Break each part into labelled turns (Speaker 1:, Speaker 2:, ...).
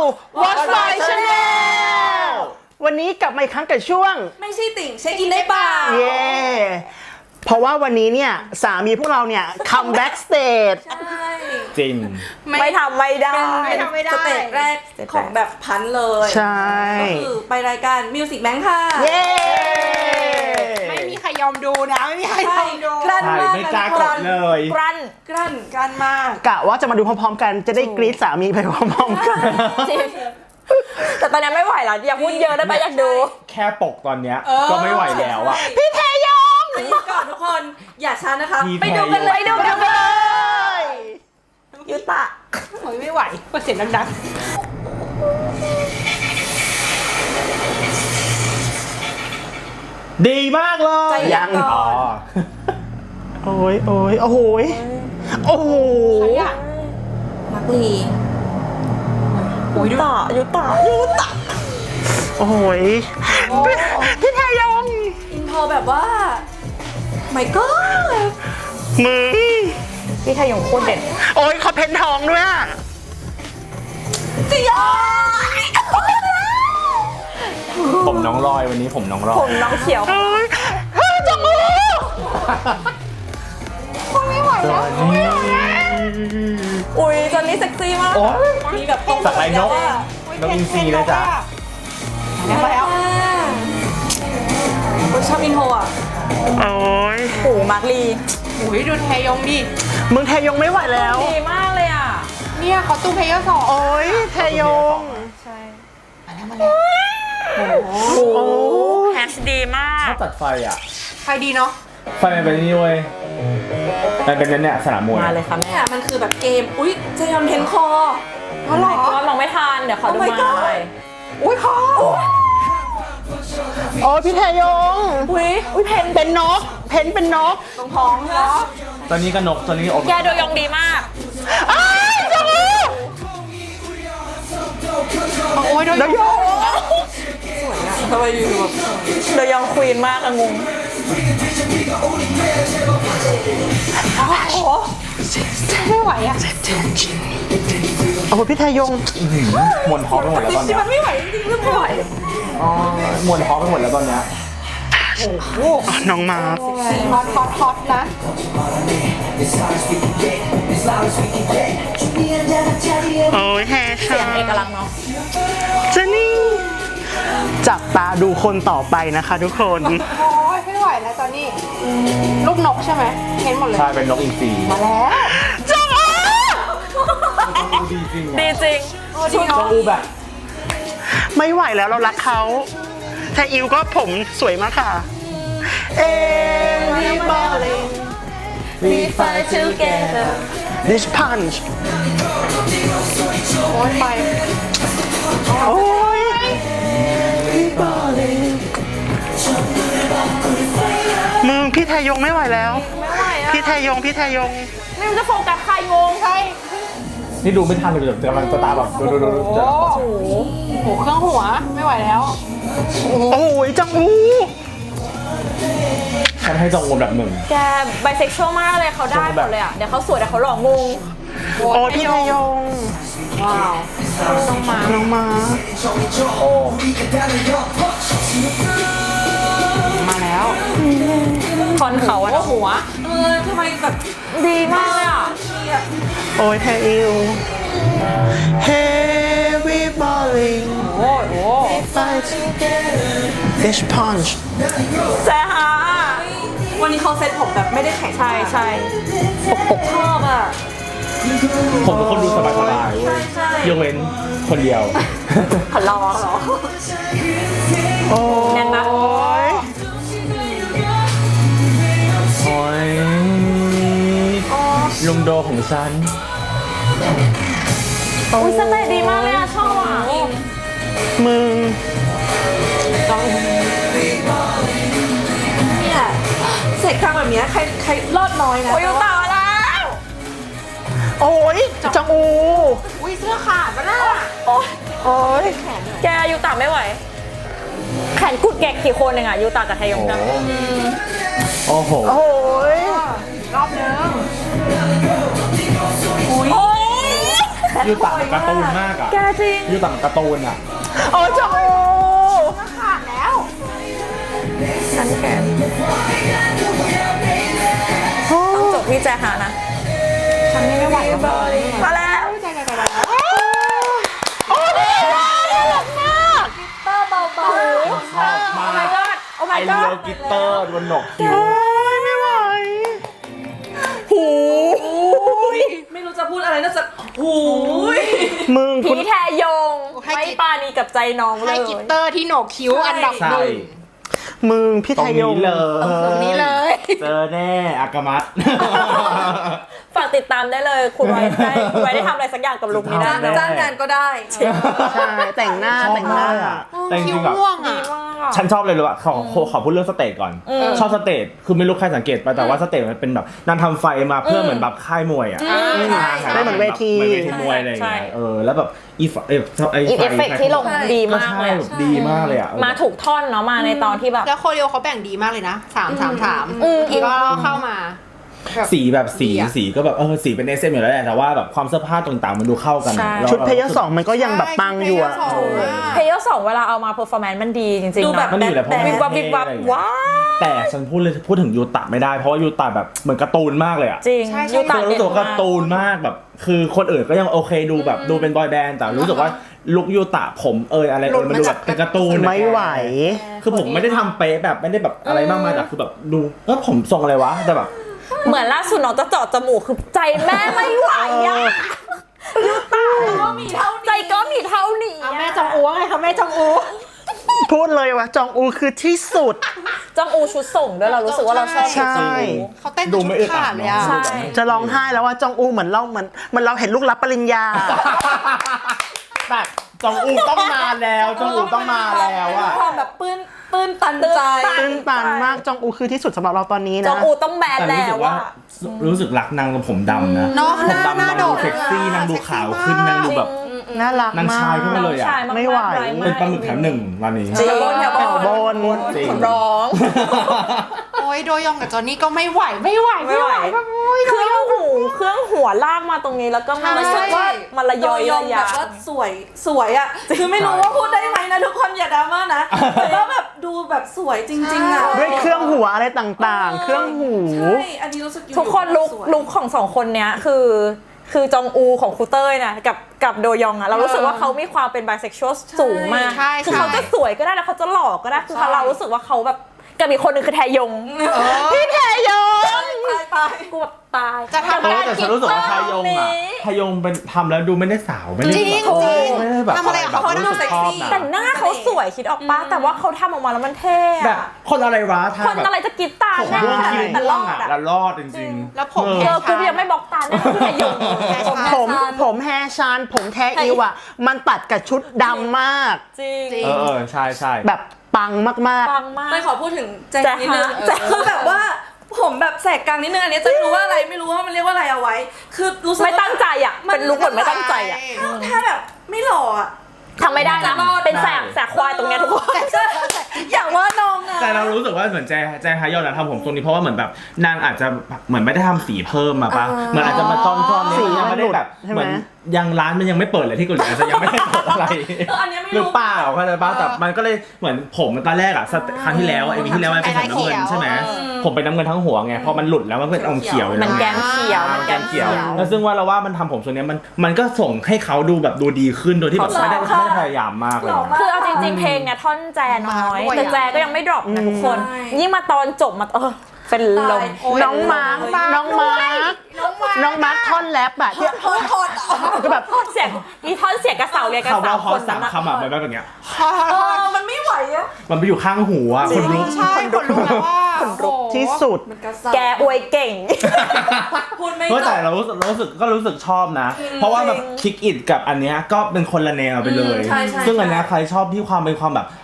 Speaker 1: Watch My Channel วันนี้กลับมาอีกครั้งกับช่วง
Speaker 2: ไม่ใช่ติ่งเช็คอินได้เปล่า
Speaker 1: เย้เพราะว่าวันนี้เนี่ยสามีพวกเราเนี่ยคัมแบ็กสเตจ
Speaker 2: ใช่
Speaker 3: จริง
Speaker 4: ไม่ทำไม่ได้
Speaker 2: เป็นสเตจแรกของแบบพันเลย
Speaker 1: ใช่
Speaker 2: ก็คือไปรายการ Music Bank ค่ะ
Speaker 1: เย้
Speaker 4: ไม่มีใครยอมดูนะไม่มีใครยอมดู
Speaker 2: กลั้นมาก
Speaker 3: ไม่กล้ากดเลย
Speaker 4: กลั้นมาก
Speaker 1: กะว่าจะมาดูพร้อมๆกันจะได้กรี๊ดสามีไปพร้อมๆกัน
Speaker 4: จริงแต่ตอนนี้ไม่ไหวแล้วอย่าพูดเยอะได้ไหมอยากดู
Speaker 3: แค่ปกตอนเนี้ยก็ไม่ไหวแล้วอ่ะ
Speaker 1: พี่เทยง
Speaker 2: ไปดูก่อนทุกคนอย่าช้านะคะ
Speaker 4: ไปดูกันเลย
Speaker 1: ยูตะ
Speaker 4: โอ้ยไม่ไหวก็เสียงดัง
Speaker 3: ดีมากเลย
Speaker 1: ยัง
Speaker 3: อ๋อ
Speaker 1: โอ้ยโอ้ยโอ้โหโอ้โห
Speaker 2: มักลี
Speaker 4: ยูตะ
Speaker 1: โอ้โหพี่เทยง
Speaker 2: อินโทรแบบว่าไม่ก็
Speaker 1: มือ
Speaker 4: พี่ไทยงโคตรเด่น
Speaker 1: โอ้ยเขาเพ้นทองด้วยอ่ะ
Speaker 2: จริง
Speaker 3: ผมน้องลอยวันนี้ผมน้องลอย
Speaker 4: ผมน้องเขียว
Speaker 1: จังมือ
Speaker 4: ไม่ไหวแล้วอุ้ยตอนนี้เซ็กซี่มาก
Speaker 2: มีแบบตรง
Speaker 3: สักไรนกอินทรีเลยจ้ะ
Speaker 4: แล้ว
Speaker 2: ชอบอินโทรอ่ะ
Speaker 1: โอ้ย
Speaker 4: โอ้มาร์คลีโอ้ยดูเทยงดิ
Speaker 1: มึงเทยงไม่ไหวแล้ว
Speaker 4: ดีมากเลยอ่ะเนี่ยเขาตู้เพลเยอร์2
Speaker 1: โอ้ยเทยง
Speaker 4: ใช่มาแล้วโอ้แฮชดีมาก
Speaker 3: ชอบตัดไฟอ่ะ
Speaker 4: ไฟดีเนาะ
Speaker 3: ไฟมันเป็นนี่เว้ยมันเป็นเนี่ยสนามมวย
Speaker 4: มาเลยค่ะ
Speaker 2: เนี่ยมันคือแบบเกมอุ๊ยจะยอมเทนคอ
Speaker 4: เขาหรอลองไม่ทันเดี๋ยวขอดูมาเลย
Speaker 2: อุ้ยคอ
Speaker 1: โอ้พี่เทยง
Speaker 4: อุ้ยเพน
Speaker 1: เป็นนกเป็นนก
Speaker 2: ตรงท้องเหรอ
Speaker 3: ตอนนี้ก็นกตอนนี้อม
Speaker 4: แกดูยองดีมาก
Speaker 1: จัง
Speaker 4: โอ้ยดูยอง
Speaker 2: สวยอะทำไมอยู่แบบ
Speaker 4: ดูยองควีนมากอะงงโอ้โหไม่ไหวอะ
Speaker 1: โอ้พี่เทยง
Speaker 3: มวนท้องไปหมดแล้วตอนนี้
Speaker 2: มันไม่ไหวจริงๆไม่ไหว
Speaker 3: มวนท้องไปหมดแล้วตอนเนี้ย
Speaker 1: โอ้น้องมา
Speaker 4: ฮอตนะ
Speaker 1: โอ้ยแฮช
Speaker 4: เสียงเอกลักษณ์เนาะ
Speaker 1: เจนี่จับตาดูคนต่อไปนะคะทุกคน
Speaker 4: โอ้ยไม่ไหวแล้วตอนนี้ลูกนกใช่ไหมเห็นหมดเลย
Speaker 3: ใช่เป็นนกอินทรี
Speaker 4: มาแล้ว
Speaker 1: จัง
Speaker 3: ดีจริง
Speaker 4: ชุด
Speaker 3: อูแบบ
Speaker 1: ไม่ไหวแล้วเรารักเขาไทอิวก็ผมสวยมากค่ะEverybody
Speaker 2: we fight together
Speaker 1: this punch
Speaker 4: โอ้ยไป
Speaker 1: โอ้ยมึงพี่ไทยงไม่ไหวแล้วพี่ไทยง
Speaker 4: นี่มันจะโฟกัสใครงงใคร
Speaker 3: นี่ดูไม่ทันเลยกำลังตาแบบดู
Speaker 4: โอ้โหเครื่องหัวไม่ไหวแล้ว
Speaker 1: โอ้ยจังอู
Speaker 3: ฉันให้จองอูแบบหนึ่ง
Speaker 4: แกไบเซ็กชวลมากเลยเขาได้หมดเลยอ่ะเดี๋ยวเขาสวยแต่เขาหล่องง
Speaker 1: โอ้พี่ไทยง
Speaker 4: ว้าวน้องมา
Speaker 1: โอ้
Speaker 4: มาแล้วคอนเขาอะหัว
Speaker 2: ทำไมแบบ
Speaker 4: ดีมากเลยอ่ะ
Speaker 1: โอ้ยไทอิว Everybody
Speaker 4: โอ้โห
Speaker 1: fight this punch
Speaker 4: แซ่ฮะ
Speaker 2: วันนี้เขาเซ็ตผมแบบไม่ได้แข็ง
Speaker 4: ใช่
Speaker 2: ชอบอ่ะ
Speaker 3: ผมเป็นคนดูสบายเว้ยยกเว้นคนเดียว
Speaker 4: ขอรอ
Speaker 1: โอ้
Speaker 4: ยังนะ
Speaker 3: โอ้ยลุงโดของฉัน
Speaker 4: อุ้ยสเตย์ดีมากเลยอ่ะชอบอ่ะ
Speaker 1: มึง
Speaker 2: เนี่ยเสกครั้งแบบนี้ใครรอดน้อยนะ
Speaker 4: โอ้ยต่อแล้ว
Speaker 1: โอ้ยจังอู
Speaker 4: อุ้ยเสื้อขาดปะน่ะ
Speaker 1: โอ้ย
Speaker 4: แกยูตาไม่ไหวแขนกุดแกะกี่คนเองอ่ะยูตากับไทยงจัง
Speaker 3: โอ้โห
Speaker 4: รอบนึงอุ้ยแพ้
Speaker 3: ยูตะการ์ตูนมากอ่ะ
Speaker 2: แกจริง
Speaker 3: ยูตะการ์ตูนอ่ะ
Speaker 1: โอ้จองอู
Speaker 4: ขาดแล้ว
Speaker 2: ฉันแกต้องจบที่แจฮานะ
Speaker 4: ฉันไม่ไหวแล้ว
Speaker 2: มาแล้ว
Speaker 4: ใจใจ
Speaker 1: โอ้ยน่ารักมาก
Speaker 2: เตอร์เบา
Speaker 3: ชอบมาก
Speaker 2: โอ้ my god โอ้
Speaker 3: ไอ
Speaker 2: my
Speaker 3: เลียว
Speaker 2: god
Speaker 3: กิตเตอร์บนหนกคิ้ว
Speaker 1: โอ้ยไม่ไหว
Speaker 2: หู
Speaker 5: ไม่รู้จะพูดอะไรนอกจากหูย
Speaker 1: มึง
Speaker 2: ผี
Speaker 1: คุณ
Speaker 2: แทยงไม่ปานีกับใจน้องเล
Speaker 4: ให้
Speaker 2: ย
Speaker 4: กิตเตอร์ที่โหนกคิ้วอันดับ
Speaker 3: ใช่
Speaker 4: หนึ่ง
Speaker 1: มึงพี่
Speaker 3: ตร
Speaker 1: ไท
Speaker 3: ง
Speaker 1: ยง
Speaker 3: นี้เลย
Speaker 4: ตรงนี้เลย
Speaker 3: เจอแน่อากามัต
Speaker 2: ฝากติดตามได้เลยคุณไว้ได้ทำอะไรสักอย่างกับลุคนี้ได้
Speaker 3: ได้
Speaker 5: จ้างงานก็ได้
Speaker 1: ใช่แต่งหน้า
Speaker 3: ชอบ
Speaker 1: แต่งหน้า
Speaker 3: มากอะแต่จ
Speaker 4: คิ้
Speaker 3: ริ
Speaker 4: ว
Speaker 3: งๆแบบ
Speaker 4: ม่วง
Speaker 2: ดี
Speaker 4: อ่ะ
Speaker 2: มากอะ
Speaker 3: ฉันชอบเลยรู้ว่าขอพูดเรื่องสเตจก่อน ชอบสเตจคือไม่รู้ใครสังเกตไปแต่ว่าสเตจมันเป็นแบบนางทำไฟมาเพื่อเหมือนแบบค่ายมวยอ่ะ
Speaker 1: ได้เหมือนเวที
Speaker 3: เหมือนเวทีมวยอะไรอย่างเงี้ยแล้วแบบอีฟไอ
Speaker 2: อีเอฟเฟกต์ที่ลงดี
Speaker 3: ก็
Speaker 2: มาก
Speaker 3: ใช่
Speaker 2: เลยอะ
Speaker 3: แบบดีมากเลยอ่ะ
Speaker 2: มาถูกท่อนเนาะมาในตอนที่แบบ
Speaker 4: แล้วโคเรียเขาแบ่งดีมากเลยนะ3
Speaker 2: อืม
Speaker 4: อีกก็เข้ามา
Speaker 3: สีแบบสี
Speaker 4: ดีอะ
Speaker 3: สีก็แบบสีเป็นเอสเอ็มอยู่แล้วแหละแต่ว่าแบบความเสื้อผ้าต่างๆมันดูเข้ากัน
Speaker 2: ใช่
Speaker 3: แล้ว
Speaker 1: ชุดเพลเยอร์สองมันก็ยังแบบปังอยู่อะ
Speaker 2: เพย์สองเวลาเอามาเพอร์ฟอร์แมนซ์มันดีจริงๆ
Speaker 5: ดูแบบ
Speaker 2: เนาะ
Speaker 3: มันอยู่แล้วเพราะ
Speaker 2: วิบวับวิบวับว้าว
Speaker 3: แต่ฉันพูดถึงยูตะไม่ได้เพราะว่ายูตะแบบเหมือนการ์ตูนมากเลยอ่ะ
Speaker 2: จริง
Speaker 4: ใช่ใช่
Speaker 2: ยูตา
Speaker 3: คือ
Speaker 2: เด่
Speaker 3: รู้สึก
Speaker 2: น
Speaker 3: ว่าการ์ตูนมากแบบ คือคนอื่นก็ยังโอเคดูแบบดูเป็นบอยแบนด์แต่รู้สึกว่าลุคยูตะผมอะไรมันดูแบบเป็นการ์ตูน
Speaker 1: ไม่ไหว
Speaker 3: คือผมไม่ได้ทำเป๊ะแบบไม่ได้แบบอะไรมากมายแต่คือแบบดูผมทรงอะไรวะแต่แบบ
Speaker 2: เหมือนล่าสุดน้องจะเจาะจมูกคือใจแม่ไม่ไหวอะยูตาก็มีเท่านี้ใจก็มีเท่านี้
Speaker 4: เอาแม่จองอูไงคะแม่จองอู
Speaker 1: พูดเลยว่าจองอูคือที่สุด
Speaker 2: จองอูชุดส่งด้วยเรารู้สึกว่าเราชอบ
Speaker 1: ใช่
Speaker 2: จองอู
Speaker 4: เขาเต้น
Speaker 3: ดู
Speaker 4: ชุ
Speaker 3: ไม่
Speaker 4: ด
Speaker 3: อึดอั
Speaker 4: ขา
Speaker 3: ด
Speaker 4: ดเลยอ่ะ
Speaker 2: ใช่
Speaker 1: จะร้องไห้แล้วว่าจองอูเหมือนเราเห็นลูกรับปริญญา
Speaker 3: แบบจองอูต้องมาแล้วจองอูต้องมาแล้วอะ
Speaker 5: ความแบบปื้นตันใจ
Speaker 1: ตื้นตันมากจองอูคือที่สุดสำหรับเราตอนนี้
Speaker 2: จ
Speaker 1: นะ
Speaker 2: องอูต้องแบน
Speaker 3: แต่
Speaker 2: แล้
Speaker 3: รู้สึ
Speaker 2: ว
Speaker 3: กว่า
Speaker 2: ว่า
Speaker 3: รู้สึกรักนางกับผมดำนะ
Speaker 4: เนาะ
Speaker 3: ผมดำ
Speaker 4: หน้า
Speaker 3: นาง
Speaker 4: โด
Speaker 3: ดู
Speaker 4: ด
Speaker 3: เซ็กซี่นางดูขาวขึ้นนางดูแบบ
Speaker 1: น่ารัก
Speaker 3: นาง
Speaker 1: มา
Speaker 3: ชาย
Speaker 1: ก
Speaker 3: ขึ้นมาเลยอะ
Speaker 2: ชายากๆ
Speaker 1: ไม่ไหว
Speaker 2: ร้ายาก
Speaker 3: เป็นปลาหมึกแถวหนึ่งวันนี้
Speaker 2: จริง
Speaker 5: แถวบน
Speaker 1: บน
Speaker 3: จริง
Speaker 2: ร้อง
Speaker 4: โอ้ยโดยองกับจอนนี่ก็ไม่ไหวแบบโอ้ย
Speaker 2: เครื่องหัวลากมาตรงนี้แล้วก็มา
Speaker 4: ใช่
Speaker 2: รู้สึกว่ามันระยอย
Speaker 5: โด
Speaker 2: ระ
Speaker 5: แบ
Speaker 2: ยะ
Speaker 5: บว่าสวยอ่ะ คือไม่รู้ว่าพูดได้ไหมนะทุกคนอย่าดราม่านะ แต่ว่าแบบดูแบบสวยจริงๆอ่ะ
Speaker 1: ด้วยเครื่องหัวอะไรต่างๆ เครื่องหู
Speaker 5: ใช่อันนี้รู้สึกอยู่
Speaker 2: ทุกคนลุคของสองคนเนี้ยคือจองอูของครูเต้ยนะกับโดยองอะเรารู้สึกว่าเขามีความเป็นไบเซ็กชวลสูงมาก
Speaker 4: ใช่
Speaker 2: คือเขาจะสวยก็ได้แล้วเขาจะหล่อก็ได้คือเรารู้สึกว่าเขาแบบกับอีกคนหนึ่งคือแทยงพี่แทยง
Speaker 5: ตาย
Speaker 2: กูแบบตาย
Speaker 4: จะทำ
Speaker 3: แต่ฉันรู้สึกว่าทายงอะทายงเป็นทำแล้วดูไม่ได้สาวไม่ได้
Speaker 4: จริง
Speaker 3: แบบ
Speaker 4: จริง
Speaker 3: ไม่ได้แบบ
Speaker 4: ทำอะไรกับเขาก็ดู
Speaker 3: รู้สึกชอบนะ
Speaker 2: แต่หน้าเขาสวยคิดออกปะแต่ว่าเขาทำออกมาแล้วมันเท่
Speaker 3: แบบ
Speaker 2: อะ
Speaker 3: คนอะไรวะทา
Speaker 2: คน
Speaker 3: แบบ
Speaker 2: อะไรจะกินตา
Speaker 3: ผม
Speaker 2: แน่
Speaker 3: ม่วงคิ้ว
Speaker 2: แต่
Speaker 3: ม่
Speaker 2: ร
Speaker 3: ว
Speaker 2: อง ด
Speaker 3: อะ
Speaker 2: อะ
Speaker 3: แล้วรอดจริงๆ
Speaker 4: แล้วผม
Speaker 2: กูยังไม่บล็อกตาแน่พี่แทยง
Speaker 1: ผมแฮร์ชานผมแทอิวอะมันตัดกับชุดดำมาก
Speaker 2: จริง
Speaker 3: ใช่ใช่
Speaker 1: แบบปังมาก
Speaker 2: ปังมาก
Speaker 5: ไม่ขอพูดถึงแจ็ค
Speaker 2: แจ็ค
Speaker 5: นิดนึง
Speaker 2: ฮะแจ็ค
Speaker 5: คือแบบว่าผมแบบแสกกลางนิดนึงอันนี้จะไม่รู้ว่าอะไรไม่รู้ว่ามันเรียกว่าอะไรเอาไว้ คือรู้สึก
Speaker 2: ไม่
Speaker 5: ว่า
Speaker 2: ตั้งใจอะเป็นลุคเหมือนไม่ตั้งใจอะ
Speaker 5: ถ้าแบบไม่หล่ออ่ะ
Speaker 2: ทำไม่ได้นะเป็นแสกควายตรงเนี้ยทุกคน
Speaker 5: อย่างว่าน้องอะ
Speaker 3: แต่เรารู้สึกว่าเหมือนแจฮายอนทำผมทรงนี้เพราะว่าเหมือนแบบนางอาจจะเหมือนไม่ได้ทำสีเพิ่มมาปะเหมือนอาจจะมาจ้อนๆ
Speaker 1: สี
Speaker 3: นี่ยังไม่ได้แบบ
Speaker 1: ใช่ไหม
Speaker 3: เหมือนยังร้านมันยังไม่เปิดเลยที่เกาหลีอาจจะยังไม่ได้เปิดอะไร
Speaker 5: อันนี้ไม่
Speaker 3: หรือ
Speaker 5: รู้
Speaker 3: เปล่าเข้าใจป่ะแต่มันก็เลยเหมือนผมตอนแรกอะครั้งที่แล้วไอ้วีที่แล้วมันเป็นสีน้ำเงินใช่ไหมผมเป็นน้ำเงินทั้งหัวไงพอมันหลุดแล้วมันเป็นอมเขียวอยู่
Speaker 2: มัน
Speaker 3: แล้ว
Speaker 2: แกมเขียวมันแกมเขียว
Speaker 3: แล้วซึ่งว่าเราว่ามันทำผมทรงนี้มันก็ส่งให้เขาดูแบบดูดีขึ้นโดยที่แบบไม่ได้พยายามมากเลย
Speaker 2: คือเอาจริงๆเพลงเนี่ยท่อนแจน้อยแต่แจก็ยังไม่ดรอปนะทุกคน ยิ่งมาตอนจบมาเป็นลม
Speaker 1: ๆ น้องมาร์คท่อนแรปอะที่ก็แบบ
Speaker 2: เสียงมีท่อนเสียงกระเสาเรียนกัน
Speaker 3: คำว่า
Speaker 2: 3
Speaker 3: พอ
Speaker 2: คน
Speaker 3: สามคำอะมันแบบอย่างเงี้ย
Speaker 5: มันไม่ไหวอะ
Speaker 3: มันไปอยู่ข้างหูอะคนลุก
Speaker 4: ใช่คนรู้แล้วว่าคนรู้
Speaker 1: ที่สุด
Speaker 5: มันกระซ่า
Speaker 2: แกอวยเก่ง
Speaker 5: พูดไม่
Speaker 3: เพราะ
Speaker 5: จ
Speaker 3: แต่
Speaker 5: บ
Speaker 3: เรารู้สึกชอบนะ เพราะว่าแบบคิกอิดกับอันเนี้ยก็เป็นคนละแนวไปเลย
Speaker 5: ใช่
Speaker 3: ซึ่งอันเนี้ยใครชอบที่ความเป็นความแบบ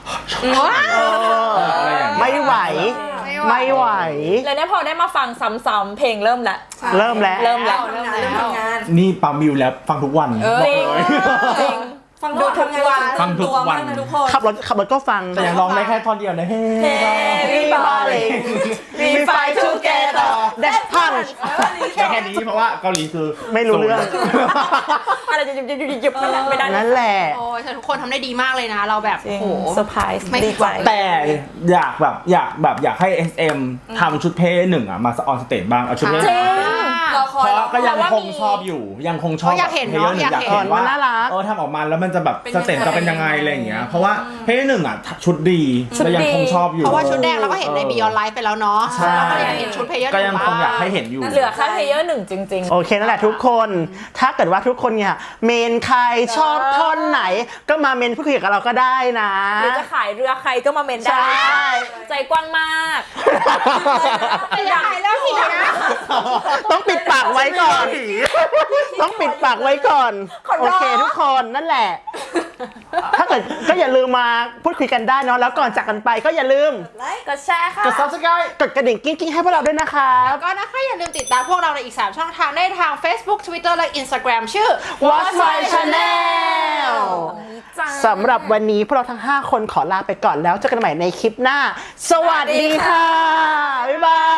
Speaker 3: อะไรอย่างเงี้ย
Speaker 1: ไม่ไหว ไม่ไหว
Speaker 2: แล้วเนี่ยพอได้มาฟังซ้ำๆเพลงเริ่มแล้ว
Speaker 1: เริ่มแล้ว
Speaker 2: เริ่มแล้ว
Speaker 5: ทำงาน
Speaker 3: นี่ปั๊มวิวแล้วฟังทุกวันบอก
Speaker 2: จริง
Speaker 3: เลย
Speaker 2: จริง
Speaker 5: ฟังดูทุกวัน
Speaker 3: ฟังทุกวัน
Speaker 5: มากนะทุกคน
Speaker 1: ขับรถก็ฟัง
Speaker 3: แต่ยังร้องได้แค่ท่อนเดียวนะเฮ้
Speaker 2: We balling We fight together
Speaker 1: Dash Punch
Speaker 3: ได้แค่นี้เพราะว่าเกาหลีคือ
Speaker 1: ไม่รู้เรื่อง
Speaker 2: อะไรจะหยุบไม่ได้
Speaker 1: นั่นแหละ
Speaker 4: โอ้ยแต่ทุกคนทำได้ดีมากเลยนะ เราแบบ
Speaker 2: จริง
Speaker 4: โอ้โห
Speaker 2: เซอร์ไพรส์
Speaker 4: ไม่
Speaker 2: ดีใจ
Speaker 3: แต่อยากให้ SM ทำชุดเพศหนึ่งอ่ะมาออนสเตจบ้างเอาชุดเพศ
Speaker 2: จริง
Speaker 5: เราค
Speaker 3: เพ
Speaker 5: อย
Speaker 3: ราะก็ยังคงชอบอยู่ยังคงชอบ
Speaker 4: อยากเห็น
Speaker 3: เพล
Speaker 4: เนาะ
Speaker 3: ย์หนึ่งอยาก ก
Speaker 4: อายเห็
Speaker 3: เห็
Speaker 4: น
Speaker 3: นว่า
Speaker 1: น่ารัก
Speaker 3: ทำออกมาแล้วมันจะแบบ
Speaker 5: เป็น
Speaker 3: สเตจจะเป็นยังไงอะไรอย่างเงี้ยเพราะว่าเพลย์หนึ่งอ่ะชุดดี
Speaker 2: ชุด
Speaker 3: แล้วยัง
Speaker 2: ดี
Speaker 3: คงชอบอยู่
Speaker 4: เพราะว่าชุดแดงเราก็เห็นใน Beyond Live ไปแล้วเนาะ
Speaker 3: ใช่
Speaker 4: เราก็อยากเห็นชุดเพลเยอร์
Speaker 3: ก็ยังคงอยากให้เห็นอยู่
Speaker 2: เหลือแค่เพลเยอร์หนึ่งจริง
Speaker 1: โอเคนั่นแหละทุกคน ถ้าเกิดว่าทุกคนเนี่ยเมนใครชอบท่อนไหน ก็มาเมนพูดคุยกับเราก็ได้นะ
Speaker 2: ๆ หรือจะขายเรือใครก็มาเมนได้
Speaker 1: ใช่
Speaker 2: ใจกว้างมาก
Speaker 4: ไม่ได้แล้วทีนะ
Speaker 1: ต้องปิดปากไว้ก่อน ต้องปิดปากไว้ก่อน
Speaker 2: ขอร้อง
Speaker 1: โอเคทุกคนนั่นแหละ ถ้าเกิดก็อย่าลืมมาพูดคุยกันได้เนาะ แล้วก่อนจากกันไปก็อย่าลืม
Speaker 2: กดแชร์ค่ะ
Speaker 1: กด subscribe กดกระดิ่งกิ้งๆให้พวกเราด้วยนะครับ
Speaker 4: ก็นะคะอย่าลืมติดตามพวกเราในอีก 3 ช่องทางได้ทาง Facebook Twitter และ Instagram ชื่อ
Speaker 1: Watch My Channel สำหรับวันนี้พวกเราทั้ง 5 คนขอลาไปก่อนแล้วเจอกันใหม่ในคลิปหน้า สวัสดีค่ะ บ๊ายบาย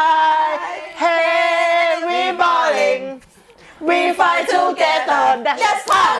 Speaker 1: Hey we balling we fight together that's fun